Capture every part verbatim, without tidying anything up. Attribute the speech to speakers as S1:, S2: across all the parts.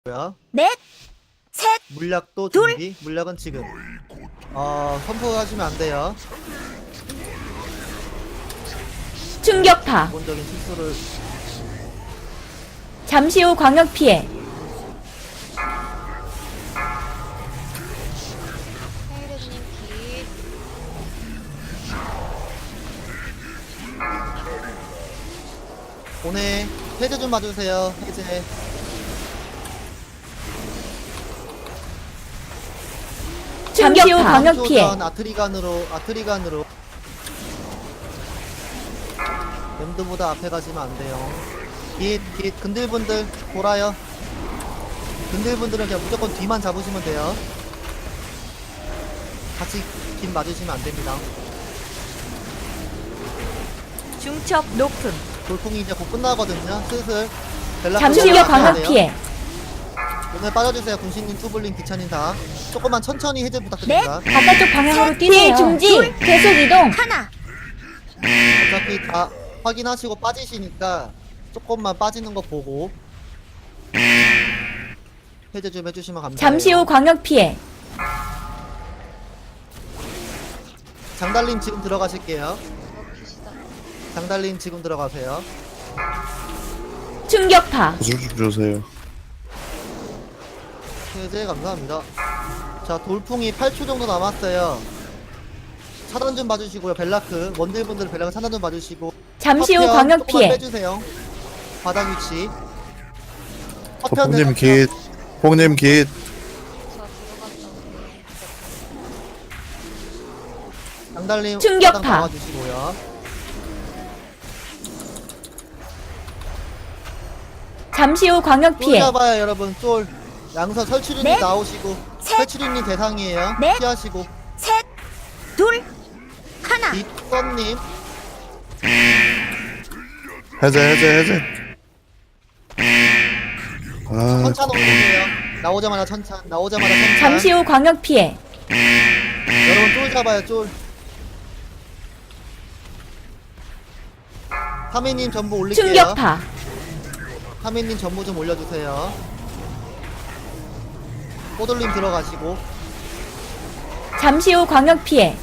S1: 고요.
S2: 넷, 셋,
S1: 물약도
S2: 둘.
S1: 준비. 물약은 지금. 어, 선포하시면 안 돼요.
S3: 충격파.
S1: 기본적인 실수를.
S3: 잠시 후 광역 피해.
S2: 헤이레드님 기.
S1: 오늘 해제 좀 봐주세요. 해제.
S3: 잠시 후
S2: 충격파.
S3: 광역 피해.
S1: 조전 아트리간으로 아트리간으로. 램드보다 앞에 가시면 안 돼요. 깃, 깃, 근들분들 돌아요. 근들분들은 그냥 무조건 뒤만 잡으시면 돼요. 같이 깃 맞으시면 안 됩니다.
S2: 중첩 높음.
S1: 돌풍이 이제 곧 끝나거든요. 슬슬. 벨라
S3: 잠시
S1: 끝나야
S3: 후 광역
S1: 돼요.
S3: 피해.
S1: 오늘 빠져주세요. 군신님, 투블린, 기찬님 다. 조금만 천천히 해제 부탁드립니다.
S3: 바깥쪽 방향으로
S2: 셋,
S3: 뛰세요.
S2: 피해 중지.
S3: 둘. 계속 이동.
S2: 하나.
S1: 어차피 다 확인하시고 빠지시니까 조금만 빠지는 거 보고 해제 좀 해주시면 감사해요.
S3: 잠시 후 광역 피해.
S1: 장달님 지금 들어가실게요. 장달님 지금 들어가세요.
S3: 충격파.
S4: 구슬 좀 주세요.
S1: 해제 감사합니다. 자, 돌풍이 팔 초 정도 남았어요. 차단 좀 봐주시고요. 벨라크 원딜분들 벨라크 차단 좀 봐주시고.
S3: 잠시 후
S1: 파편
S3: 광역
S1: 조금만
S3: 피해.
S1: 빼주세요. 바닥 위치. 파편
S4: 폭님
S1: 내려서
S4: 깃. 폭님 깃.
S1: 장달님
S3: 충격파.
S1: 바닥 나와주시고요.
S3: 잠시 후 광역
S1: 쫄
S3: 피해.
S1: 잡아요 여러분. 쫄 양서 설치류님
S2: 넷,
S1: 나오시고
S2: 셋,
S1: 설치류님 대상이에요.
S2: 넷,
S1: 피하시고.
S2: 셋, 둘, 하나.
S1: 뒷선님
S4: 해제 해제 해제. 아
S1: 천찬 올리세요. 나오자마자 천찬 나오자마자 천찬.
S3: 잠시 후 광역 피해.
S1: 여러분 쫄 잡아요. 쫄 하미님 전부 올릴게요.
S3: 충격파.
S1: 하미님 전부 좀 올려주세요. 호돌님 들어가시고.
S3: 잠시 후 광역 피해.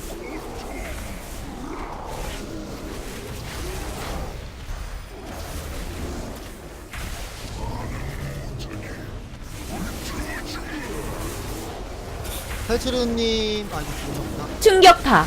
S1: 설치류님 아니 죽으셨구나.
S3: 충격파.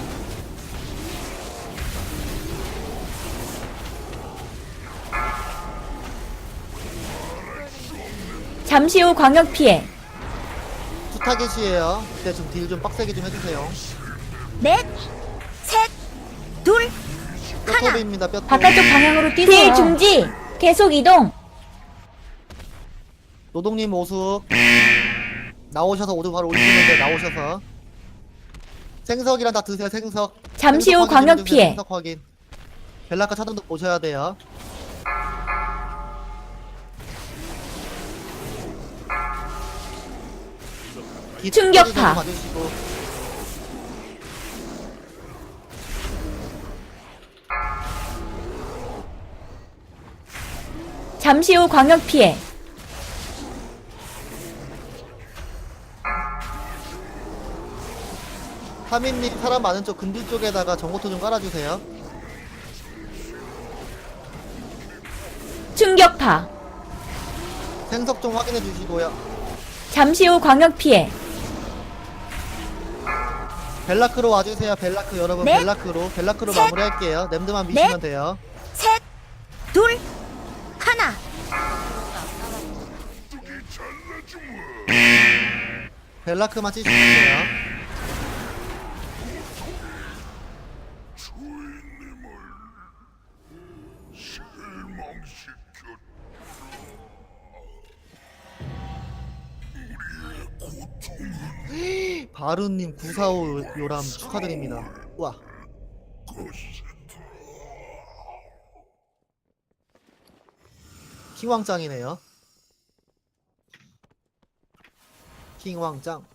S3: 잠시 후 광역 피해.
S1: 투타겟이에요. 그때 좀 딜 좀 빡세게 좀 해주세요.
S2: 넷, 셋, 둘, 하나.
S1: 뼈톱입니다. 뼈톱.
S3: 바깥쪽 방향으로 뛰세요. 피해 중지. 계속 이동.
S1: 노동님 오수 나오셔서 오도 바로 올리시면 돼요. 나오셔서 생석이랑 다 드세요. 생석.
S3: 잠시 후
S1: 생석 확인 좀
S3: 광역
S1: 해주세요.
S3: 피해.
S1: 생석 확인. 벨라카 차단도 보셔야 돼요.
S3: 충격파.
S1: 봐주시고.
S3: 잠시 후 광역 피해.
S1: 하민님 사람 많은 쪽 근들 쪽에다가 정보토 좀 깔아주세요.
S3: 충격파.
S1: 생석 좀 확인해 주시고요.
S3: 잠시 후 광역 피해.
S1: 벨라크로 와주세요. 벨라크 여러분.
S2: 넷,
S1: 벨라크로 벨라크로
S2: 셋,
S1: 마무리할게요. 냄드만 미시면
S2: 넷,
S1: 돼요.
S2: 셋, 둘, 하나.
S1: 벨라크만 치시면 돼요. 바루님 구사오 요람 축하드립니다. 우와. 킹왕짱이네요. 킹왕짱.